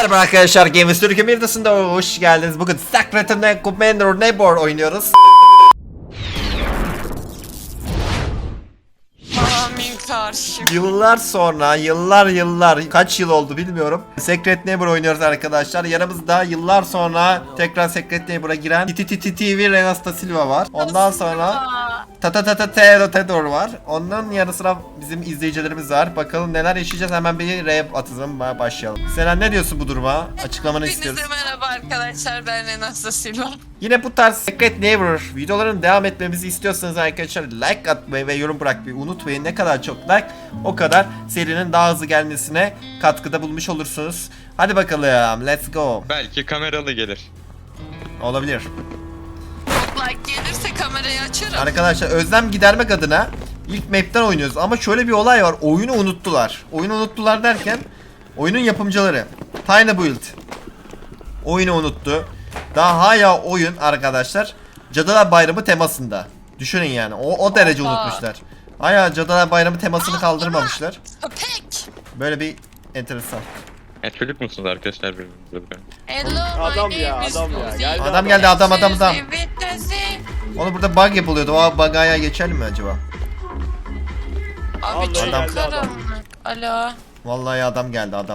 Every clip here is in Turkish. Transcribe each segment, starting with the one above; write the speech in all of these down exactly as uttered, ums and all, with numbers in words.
Merhaba arkadaşlar, Games Türkiye Mirdası'nda hoş geldiniz. Bugün Secret and Commander Neighbor oynuyoruz. Amin karşı. Yıllar sonra, yıllar yıllar, kaç yıl oldu bilmiyorum. Secret Neighbor oynuyoruz arkadaşlar. Yanımızda yıllar sonra tekrar Secret Neighbor'a giren T T T T V Renasta Silva var. Ondan sonra Tata Tata Tero Tedor var. Ondan yanı sıra bizim izleyicilerimiz var. Bakalım neler yaşayacağız. Hemen bir rap atızım başlayalım. Selen, ne diyorsun bu duruma? Açıklamanı istiyoruz. Hepinize merhaba arkadaşlar, ben Renasta Silva. Yine bu tarz Secret Neighbor videoların devam etmemizi istiyorsanız arkadaşlar like atmayı ve yorum bırakmayı unutmayın. Ne kadar çok like, o kadar serinin daha hızlı gelmesine katkıda bulmuş olursunuz. Hadi bakalım, let's go. Belki kameralı gelir. Olabilir. Çok like gelirse kamerayı açarım. Arkadaşlar özlem gidermek adına ilk map'ten oynuyoruz ama şöyle bir olay var. Oyunu unuttular. Oyunu unuttular derken oyunun yapımcıları Tiny Build oyunu unuttu. Daha hala oyun arkadaşlar Cadılar Bayramı temasında. Düşünün yani. O, o derece Aa. unutmuşlar. Hala Cadılar Bayramı temasını kaldırmamışlar. Köpek. Böyle bir enteresan. E çocuk musunuz arkadaşlar birbirinize? Hello, Adam my ya, name is adam ya. Rosie. Geldi Adam geldi, adam adam adam. Evet, Rosie. Onu burada bug yapılıyordu. O bug'a geçelim mi acaba? Abi Vallahi çok geldi adam. karanlık. Alo. Vallahi adam geldi, adam.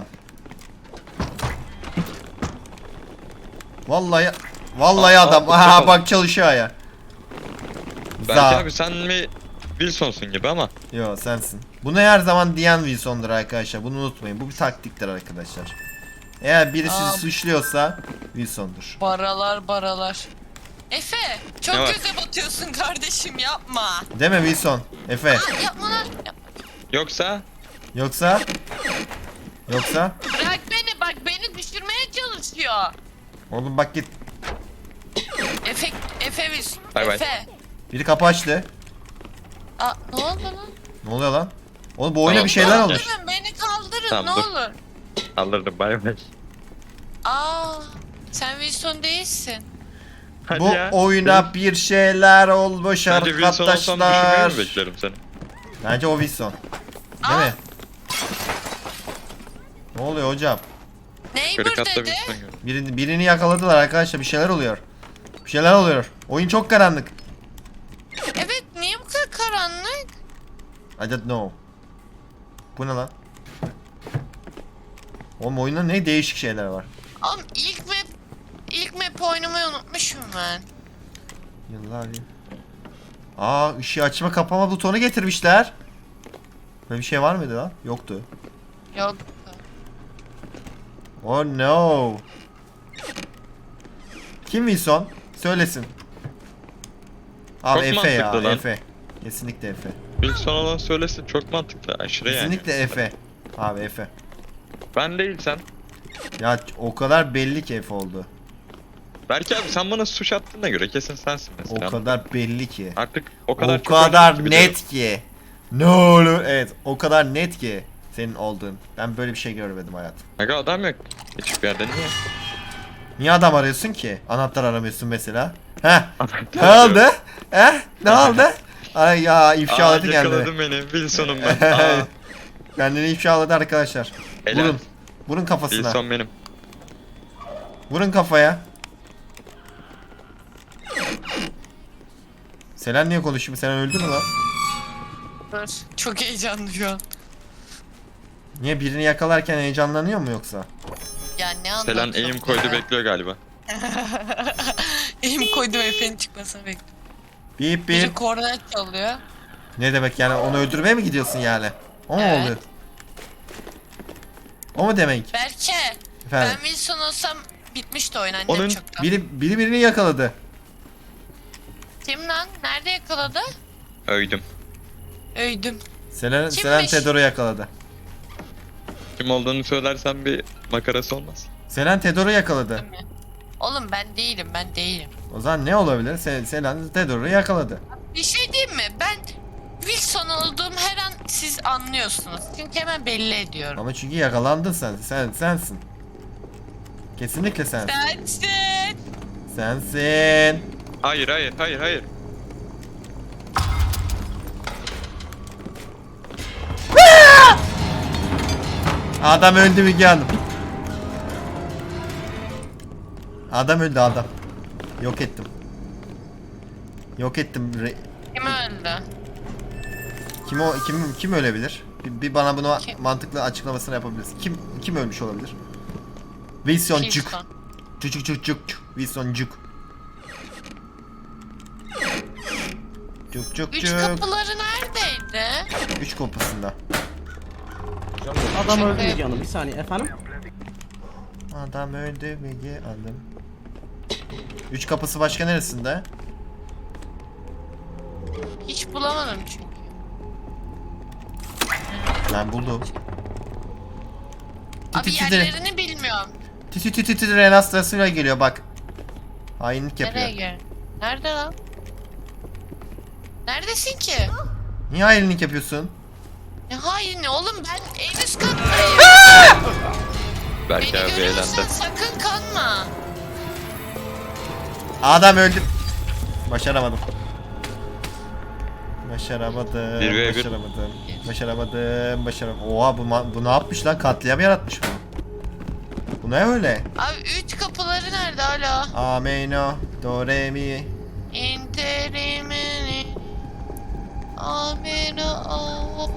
Vallahi Vallahi Aa, adam. aa, Aha çok bak çalışıyor ya. Belki Za. abi sen mi Wilson'sun gibi ama. Yo, sensin. Bunu her zaman diyen Wilson'dur arkadaşlar. Bunu unutmayın. Bu bir taktiktir arkadaşlar. Eğer biri sizi Aa. suçluyorsa Wilson'dur. Baralar baralar. Efe, çok Ne var? göze batıyorsun kardeşim, yapma. Değil mi Wilson? Efe. Aa, yapma lan. Yapma. Yoksa Yoksa? Yoksa? Bırak beni, bak beni düşürmeye çalışıyor. Oğlum bak git. Efe, Efe biz. Bay bay. Efe. Biri kapı açtı. Aa, ne oldu lan? Ne oluyor lan? Oğlum bu oyuna Tamam. bir şeyler olmuş. Kaldırın, beni kaldırın, Tamam, ne dur. olur. alırdım bay bay. Aa, sen Wilson değilsin. Hadi Bu ya. oyuna bir şeyler olmuş Bence Wilson olsam düşürmeyi arkadaşlar. mi beklerim seni? Bence o Wilson. Değil Aa. mi? Ne oluyor hocam? Neighbor Karikatta dedi. Wilson gibi. Birini, birini yakaladılar arkadaşlar. Bir şeyler oluyor. Bir şeyler oluyor. Oyun çok karanlık. Evet, niye bu kadar karanlık? I don't know. Bu ne lan? Oğlum oyunda ne değişik şeyler var. Oğlum ilk map, ilk map oynamayı unutmuşum ben. Yıllar ya. Aa, ışığı açma kapama butonu getirmişler. Böyle bir şey var mıydı lan? Yoktu. Yok. Oh no. Kim Wilson? Söylesin. Abi Çok Efe ya, mantıklı lan. Efe. Kesinlikle Efe. Wilson olan söylesin, çok mantıklı, aşırı yani. Kesinlikle Efe. Abi Efe. Ben değil sen. Ya o kadar belli ki Efe oldu. Belki abi sen bana suç attığına göre kesin sensin mesela. O kadar belli ki. Artık o kadar O çok kadar oynadık ki biliyorum. net ki. Ne olur. Evet, o kadar net ki senin olduğun. Ben böyle bir şey görmedim hayatım. Aga adam yok. Hiçbir yerde niye? Niye adam arıyorsun ki? Anahtar aramıyorsun mesela. Heh. Ne Anahtar oldu? Heh? Ne oldu? Ay ya, ifşaladı Aa, kendini. yakaladım beni. Wilson'um ben. Aa, Kendini ifşaladı arkadaşlar. helal. Vurun. Vurun kafasına. Wilson benim. Vurun kafaya. Selen niye konuşuyor? Selen öldü mü lan? Dur. Çok heyecanlı şu an. Niye, birini yakalarken heyecanlanıyor mu yoksa? Ya ne anlattın? Selen aim koydu bekliyor galiba. Eğim koydum, Efe'nin çıkmasını bekliyorum. Bip Biri bip. kornet çalıyor. Ne demek yani, onu öldürmeye mi gidiyorsun yani? O mu Evet. oluyor? O mu demek? Berke, Efendim? ben Wilson olsam bitmişti oyun annem Onun- çoktan. Biri, biri birini yakaladı. Kim lan? Nerede yakaladı? Öydüm. Öydüm. Selen, Kimmiş? Selen Tedor'u yakaladı. Kim olduğunu söylersen bir makarası olmaz. Selen Tedor'u yakaladı. Oğlum ben değilim, ben değilim. O zaman ne olabilir? Se Selen Tedor'u yakaladı. Bir şey diyeyim mi? Ben Wilson olduğum her an siz anlıyorsunuz. Çünkü hemen belli ediyorum. Ama çünkü yakalandın sen. Sen sensin. Kesinlikle sensin. Sensin. Sensin. Hayır hayır hayır hayır. Adam öldü Müge Hanım. Adam öldü adam. Yok ettim. Yok ettim. Re Kim öldü? kim o kim kim ölebilir? Bir, bir bana bunu Kim? mantıklı açıklamasını yapabilirsin. Kim kim ölmüş olabilir? Wilson Cuk. Wilson. Cuk cuk cuk cuk. Wilson Cuk. Cuk cuk Üç cuk. kapıları neredeydi? Üç kapısında. Adam Şaka öldü yap- Müge Hanım. Bir saniye efendim. Adam öldü Müge Hanım. Üç kapısı başka neresinde? Hiç bulamadım çünkü. Ben buldum. Abi Titi titi. yerlerini bilmiyorum. Titi titi titi renastasıyla geliyor bak. Hainlik Nereye yapıyor. gel? Nerede lan? Neredesin ki? Niye hainlik yapıyorsun? Ne haini oğlum, ben en üst kattayım. Belki Beni abi görüyorsan eğlendi. sakın kanma. Adam öldü. Başaramadım. Başaramadım. Bir ve bir. Başaramadım. Başaramadım. Başaramadım. Oha bu, ma- bu ne yapmış lan? Katliam yaratmış bu. Bu ne öyle? Abi üç kapıları nerede hala? Ameno, do re mi. İnterimini. Amena.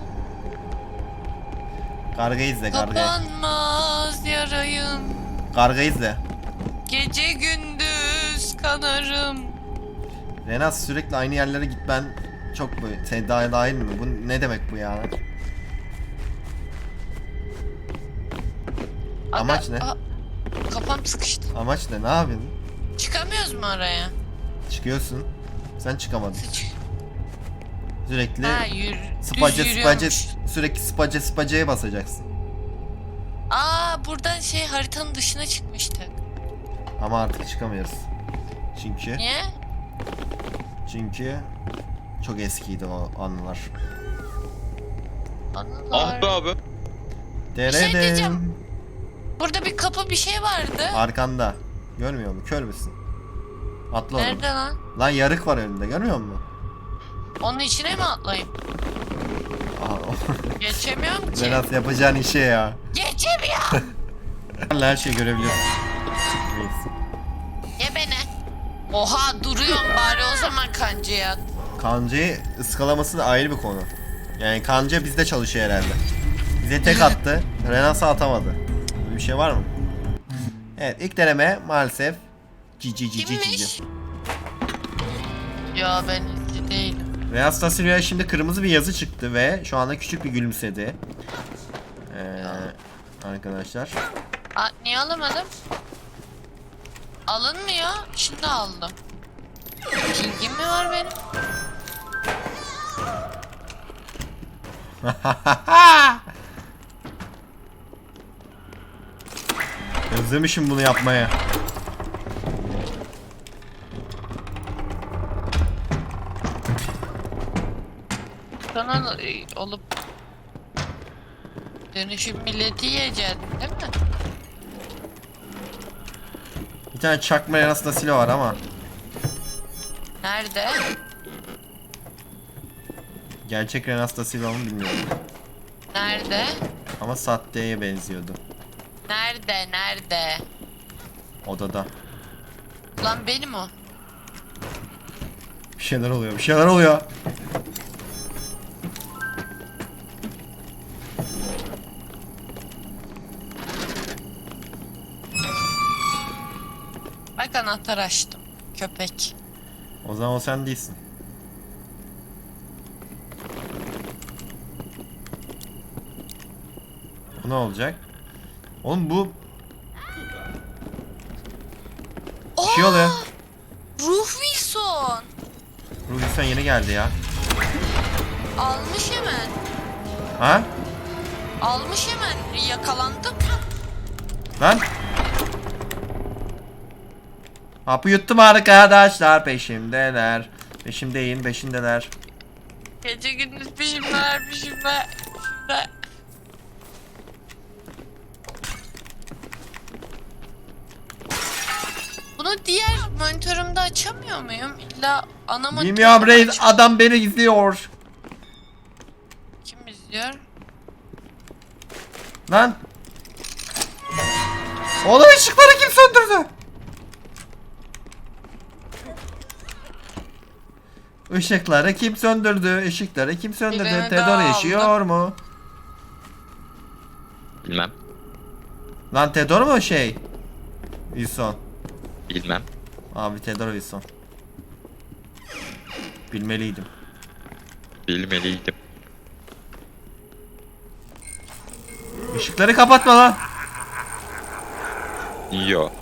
Karga izle, karga. Kapanmaz yarayım. Karga izle. Gece gündüz kanarım. Renas sürekli aynı yerlere gitmen çok mu? Sen daha dahil mi? Bu ne demek bu ya? Amaç Aga- ne? Aa, kafam sıkıştı. Amaç ne? Ne yapıyorsun? Çıkamıyoruz mu oraya? Çıkıyorsun. Sen çıkamadın. Sıç. Sürekli Ha yürü. space düz space yürüyormuş. sürekli space spaceye basacaksın. Aa buradan şey haritanın dışına çıkmıştık. Ama artık çıkamıyoruz. Çünkü Niye? çünkü çok eskiydi o anılar. Anılar. Ah be abi. şey Deredem. diyeceğim. Burada bir kapı bir şey vardı. Arkanda. Görmüyor musun? Kör müsün? Atla oğlum. Nerede lan? Lan yarık var önünde, görmüyor musun? Onun içine mi atlayayım? Aha, Geçemiyorum ki. Renas yapacağın işe ya. Geçemiyorum. Her şeyi görebiliyorsun. Neyse. Ye beni. Oha duruyorum bari o zaman kancaya. Kancayı ıskalaması da ayrı bir konu. Yani kanca bizde çalışıyor herhalde. Bize tek attı. Renas'a atamadı. Böyle bir şey var mı? Evet, ilk deneme maalesef cici cici cici. Kimmiş? Ya ben izci değilim. Renas da Silva'ya şimdi kırmızı bir yazı çıktı ve şu anda küçük bir gülümsedi. Ee, arkadaşlar. Aa, niye alamadım? Alınmıyor. Şimdi aldım. Pingim mi var benim? Özlemişim bunu yapmaya. Sana e, olup dönüşüm milleti yiyeceksin değil mi? Bir tane çakma Renas da Silva var ama Nerede? gerçek Renas da Silva mı bilmiyorum. Nerede? Ama sahteye benziyordu. Nerede? Nerede? Odada. Lan benim o. Bir şeyler oluyor, bir şeyler oluyor. Bak anahtar açtım. Köpek. O zaman o sen değilsin. Bu ne olacak? Oğlum bu bir şey oluyor. Ruh Wilson. Ruhi sen yeni geldi ya. Almış hemen. Ha? Almış hemen. Yakalandım. Lan. Hapı yuttum arkadaşlar, peşimdeler. Peşimdeyim, peşindeler. Gece gündüz peşimdeler peşimde. Peşimde. Bunu diğer monitörümde açamıyor muyum? İlla ana monitörümde Bilmiyorum reis, aç- adam beni izliyor. Kim izliyor? Lan. Oğlum ışıkları kim söndürdü? Işıkları kim söndürdü? Işıkları kim söndürdü? Birini Tedor daha yaşıyor mu? Bilmem. Lan Tedor mu şey? Wilson. Bilmem. Abi Tedor Wilson. Bilmeliydim. Bilmeliydim. Işıkları kapatma lan. Yo.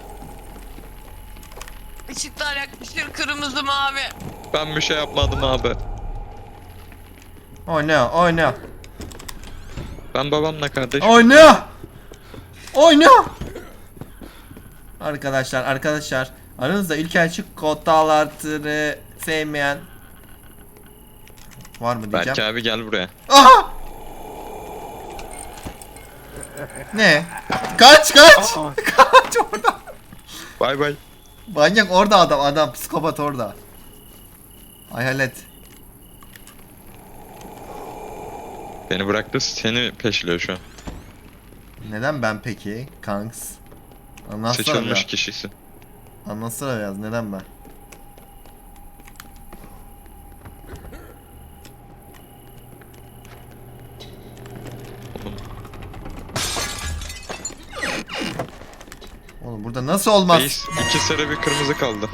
Işıklar yakmıştır kırmızı mavi. Ben bir şey yapmadım abi. Oyna oyna. Ben babamla kardeşim. Oyna. Oyna. Arkadaşlar arkadaşlar. Aranızda ilk açık kod dağlartını sevmeyen var mı diyeceğim. Berke abi gel buraya. Aha! Ne? Kaç kaç! Kaç orada. Bay bay. Manyak orada adam adam psikopat orada. Hayalet. Beni bıraktı seni peşliyor şu an. Neden ben peki? Kanks. Anlatsana Seçilmiş biraz. kişisin. Anlatsana biraz neden ben? Oğlum burada nasıl olmaz? Reis iki sarı bir kırmızı kaldı.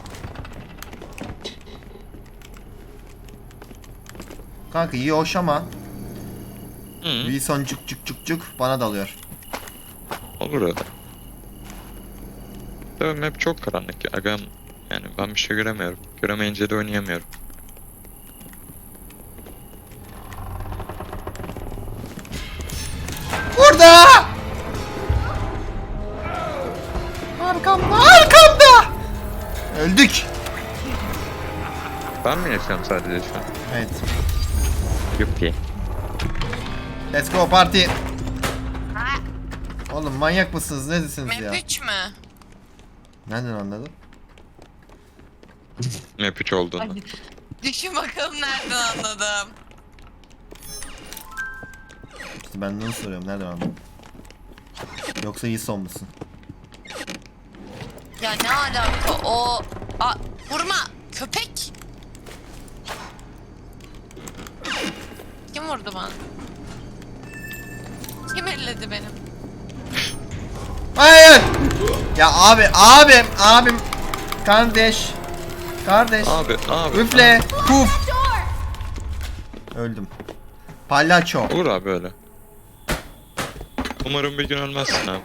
Kanka iyi hoş ama Hı. Wilson cuk cuk cuk cuk bana dalıyor. Olur öyle. Tabii map çok karanlık ya. Agam, yani ben bir şey göremiyorum. Göremeyince de oynayamıyorum. Burada! Arkamda, arkamda! Öldük. Ben mi yaşıyorum sadece şu an? Evet. Yuppi. Let's go party. Oğlum manyak mısınız? Neredesiniz ya? Map üç mü? Nereden anladın? Map üç olduğunu. Düşün bakalım nereden anladım. İşte ben de onu soruyorum. Nereden anladın? Yoksa iyi son musun? Ya ne alaka o... A, vurma köpek. Kim vurdu bana? Kim elledi benim? Hayır! Ya abi, abim, abim. Kardeş. Kardeş. Abi abi. Üfle. Puf. Öldüm. Palyaço. Olur abi öyle. Umarım bir gün ölmezsin abi.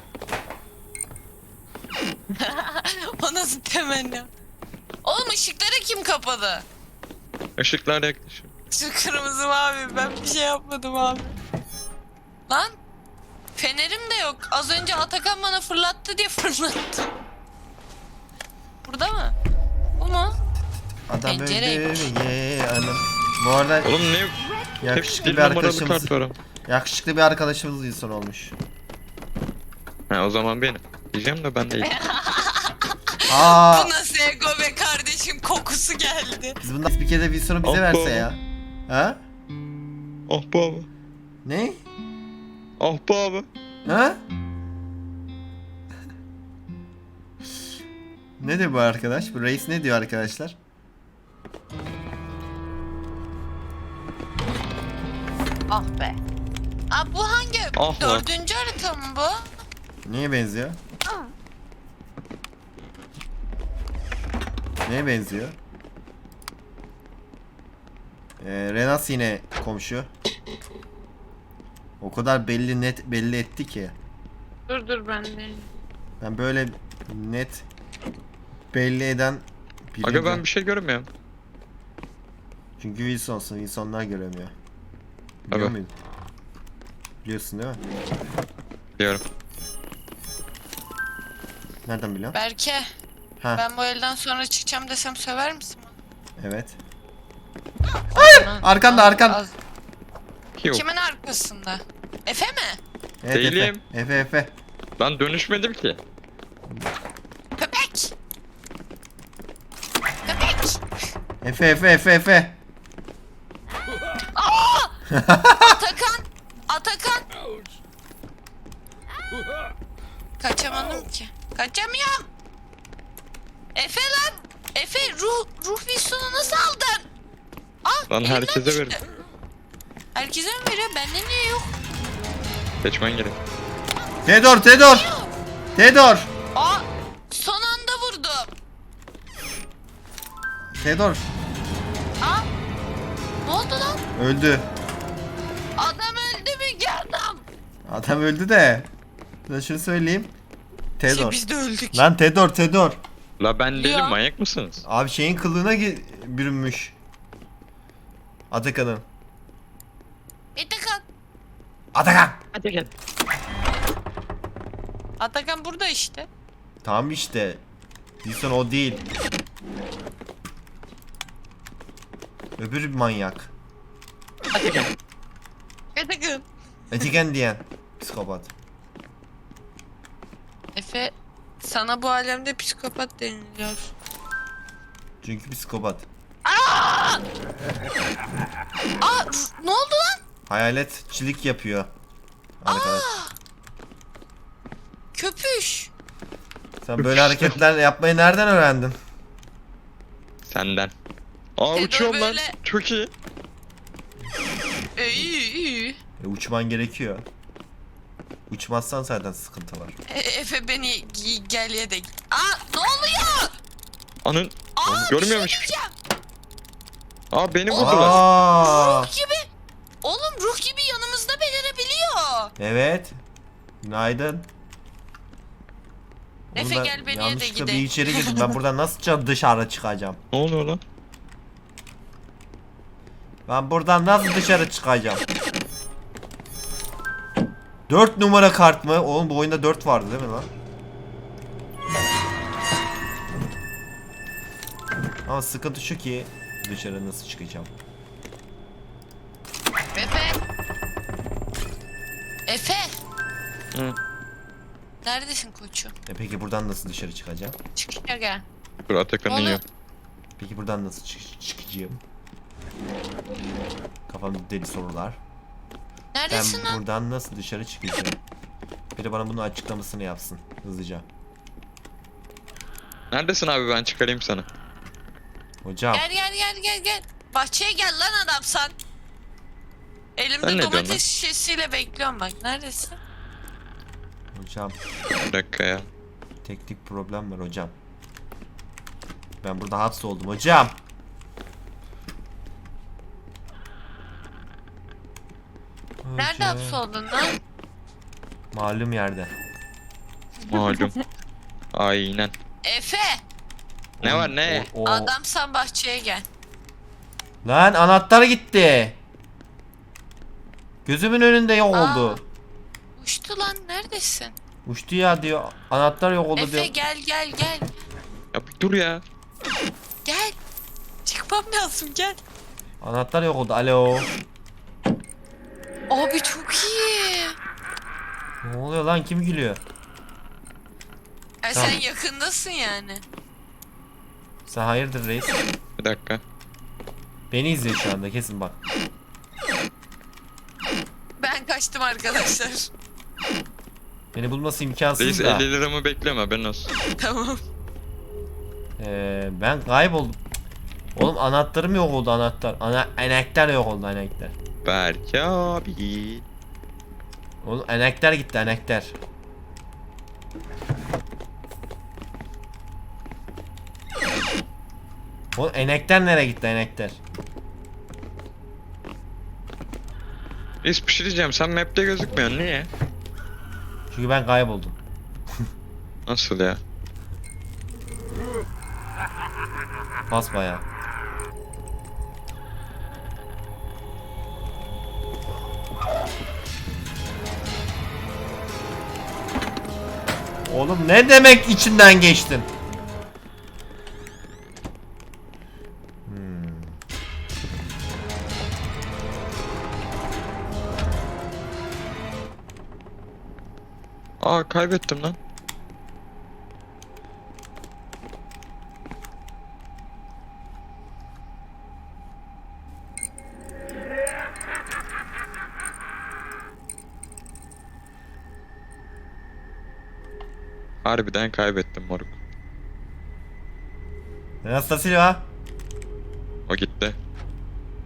O nasıl temenni? Oğlum ışıkları kim kapadı? Işıklar yaklaşıyor. Şu kırmızı mavi ben bir şey yapmadım abi. Lan fenerim de yok. Az önce Atakan bana fırlattı diye fırlattım. Burada mı? Bu mu? Adam Pencereymiş. öldü ye anam. Bu arada Oğlum ne? Hep yakışıklı bir bir numaralı arkadaşımız. kart var ama. Yakışıklı bir arkadaşımız insan olmuş. Ha o zaman benim. Diyeceğim de ben değil. Aa, Bu nasıl ego be kardeşim kokusu geldi. biz bundan bir kere bir soru bize Abba. verse ya. Ha? Ah bu abi. Ne? Ah bu abi. Ha? Ne diyor bu arkadaş? Bu reis ne diyor arkadaşlar? Ah be. Aa bu hangi? Ah lan. Dördüncü harita mı bu? Neye benziyor? Neye benziyor? Ee, Renas yine komşu. O kadar belli net belli etti ki. Dur dur ben de. Ben böyle net belli eden biri Aga ben de- bir şey görmüyorum. Çünkü Wilson'sun. Wilson'lar göremiyor. Biliyor Tabii. muydun? Biliyorsun değil mi? Diyorum. Nereden biliyorsun? Berke Ha, ben bu elden sonra çıkacağım desem söver misin? evet. Hayır. Arkanda, arkan. Yok. Kimin arkasında? Efe mi? Evet, Değilim. Efe. Efe Efe. Ben dönüşmedim ki. Köpek. Köpek. Efe Efe Efe Efe. Atakan. Atakan. Kaçamadım ki. Kaçamıyorum. Efe lan. Efe ruh ruh Wilson'u nasıl aldın? Aa, Lan elimden herkese düştü. verin. Herkese mi veriyor? Bende niye yok? Seçmen gerek. Tedor, Tedor. Tedor. Aa, son anda vurdum. Tedor. Aa, ne oldu lan? Öldü. Adam öldü mü ki adam? Adam öldü de. Ben şunu söyleyeyim. Şey, Tedor. biz de öldük. Lan Tedor, Tedor. La ben değilim, Ya. manyak mısınız? Abi şeyin kılığına gi- bürünmüş. Atakan'ın. Atakan. Atakan. Hadi gel. Atakan burada işte. Tamam işte. Wilson o değil. Öbür bir manyak. Atakan. Etiken diyen. Psikopat. Efe, sana bu alemde psikopat deniliyor. Çünkü psikopat. Aa, ne oldu lan? Hayaletçilik yapıyor. Arkadaş. Köpüş. Sen böyle hareketler yapmayı nereden öğrendin? Senden. Aa Tedor uçuyorum lan. böyle- Çok iyi. E, iyi iyi. E, uçman gerekiyor. Uçmazsan zaten sıkıntı var. E, Efe beni gi- gel ye de. Aa, ne oluyor? Anın. Aa, Görmüyormuş. bir şey diyeceğim. Aa beni vurdular. Aa, Ruh gibi. Oğlum ruh gibi yanımızda belirebiliyor. evet. Günaydın. Oğlum Efe ben gel beni ye de yanlışlıkla bir gidelim. içeri girdim. Ben buradan nasıl dışarı çıkacağım? Ne oluyor lan? Ben buradan nasıl dışarı çıkacağım? Dört numara kart mı? Oğlum bu oyunda dört vardı değil mi lan? Ama sıkıntı şu ki dışarı nasıl çıkacağım? Efe. Efe. Hı. Neredesin koçum? E peki buradan nasıl dışarı çıkacağım? Çık ya gel. Dur Atakan'ı Ne oluyor? yiyorum. Peki buradan nasıl çık- çıkacağım? Kafamda deli sorular. Ben Neredesin lan? buradan nasıl dışarı çıkacağım? Biri bana bunun açıklamasını yapsın hızlıca. Neredesin abi, ben çıkarayım sana. Hocam, Gel gel gel gel gel. Bahçeye gel lan adam sen. Sen Elimde ne diyorsun lan? domates şişesiyle bekliyorum bak. Neredesin? hocam. Bir dakika ya. Teknik problem var hocam. Ben burada hapsoldum hocam. Nerede Hocam. hapsoldun lan? Malum yerde. Malum. Aynen. Efe. Ne var ne? O- o- Adamsan bahçeye gel. Lan anahtar gitti. Gözümün önünde yok Aa. oldu. Uçtu lan neredesin? Uçtu ya diyor. Anahtar yok oldu Efe diyor. gel gel gel. Ya bir dur ya. Gel. Çıkmam lazım gel. Anahtar yok oldu. Alo. Abi çok iyi. Ne oluyor lan? Kim gülüyor? Ya Tamam. sen yakındasın yani. Sen hayırdır reis? Bir dakika. Beni izliyor şu anda kesin bak. Ben kaçtım arkadaşlar. Beni bulması imkansız Reis da. elli liramı bekleme, haberin olsun. Tamam. Ee, ben kayboldum. Oğlum anahtarım yok oldu anahtar. Ana anahtar yok oldu anahtar. Berke abi. Oğlum anahtar gitti anahtar. Oğlum anahtar nereye gitti anahtar? Reis bir şey diyeceğim, sen map'te gözükmüyorsun, niye? Çünkü ben kayboldum. Nasıl ya? Basbayağı. Oğlum ne demek içinden geçtin? Hmm. Aa kaybettim lan. Harbiden kaybettim moruk. Anastasia. O gitti.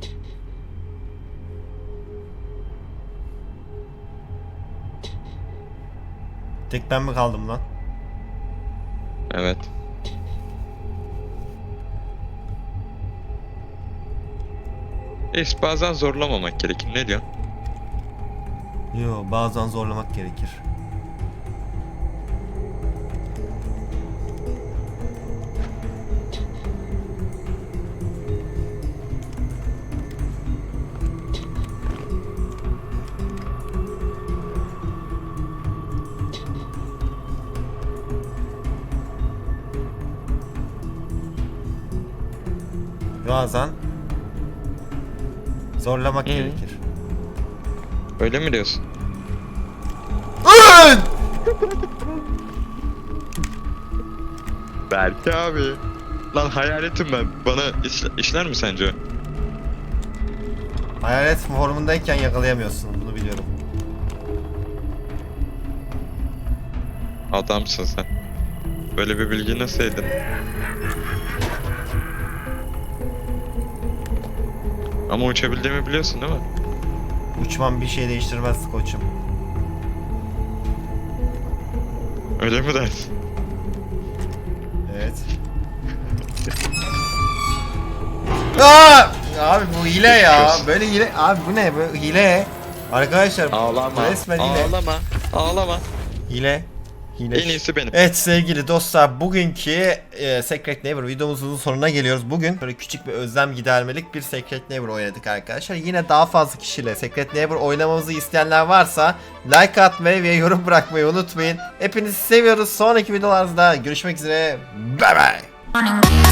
Tek ben mi kaldım lan? Evet. Reis bazen zorlamamak gerekir. Ne diyorsun? Yo, bazen zorlamak gerekir. Bazen zorlamak Hı. gerekir. Öyle mi diyorsun? Belki abi. Lan hayaletim ben. Bana işle- işler mi sence? Hayalet formundayken yakalayamıyorsun, bunu biliyorum. Adamsın sen. Böyle bir bilgi nasıl edin? Ama uçabildiğimi biliyorsun değil mi? Uçman bir şey değiştirmez koçum. Öyle mi dersin? Evet. Aa! Abi bu hile ya. Geçmiş olsun. Böyle hile. Abi bu ne? Bu hile. Arkadaşlar Ağlama. resmen hile. Ağlama. Ağlama. Hile. Hile. En iyisi benim. Evet sevgili dostlar, bugünkü e, Secret Neighbor videomuzun sonuna geliyoruz. Bugün böyle küçük bir özlem gidermelik bir Secret Neighbor oynadık arkadaşlar. Yine daha fazla kişiyle Secret Neighbor oynamamızı isteyenler varsa like atmayı ve yorum bırakmayı unutmayın. Hepinizi seviyoruz. Sonraki videolarda görüşmek üzere. Bye bye.